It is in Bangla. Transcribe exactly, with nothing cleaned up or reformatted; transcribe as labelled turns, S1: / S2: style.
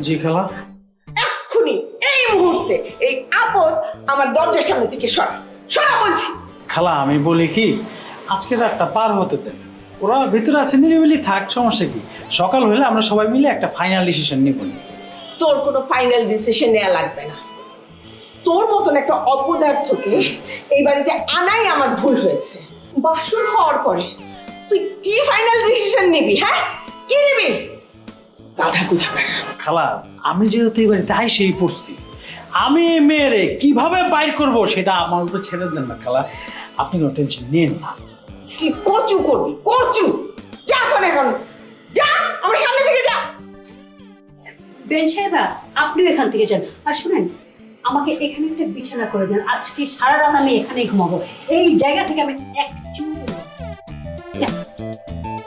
S1: জি খালা।
S2: এক্ষুনি এই মুহূর্তে এই আপদ আমার দরজার সামনে থেকে সরা সরা বলছি।
S1: খালা আমি বলি কি, আজকে রাতটা পার হতে দেন, ওরা ভিতরে আছে, নিরিবিলি থাক, সমস্যা কি? সকাল হলে আমরা সবাই মিলে একটা ফাইনাল ডিসিশন নিব।
S2: তোর কোনো ফাইনাল ডিসিশন নেওয়া লাগবে না। তোর মতন একটা অপদার্থকে এই বাড়িতে আনাই আমার ভুল হয়েছে। বাসর হওয়ার পরে তুই কি ফাইনাল ডিসিশন নিবি? হ্যাঁ, কি নিবি? গাধা কোথাকার।
S1: খালা আমি যেহেতু এই বাড়িতে আইসেই পড়ছি, আমি এই মেয়েরে কিভাবে বাইর করব সেটা আমার উপর ছেড়ে দেন না খালা, আপনি কোনো টেনশন নিন না।
S2: কি কচু করবি? কচু যা করে এখন, যা আমার সামনে থেকে যা।
S3: বেন সাহেবা, আপনিও এখান থেকে যান। আর শুনেন, আমাকে এখানে একটা বিছানা করে দেন, আজকে সারা রাত আমি এখানেই ঘুমাবো। এই জায়গা থেকে আমি এক চুল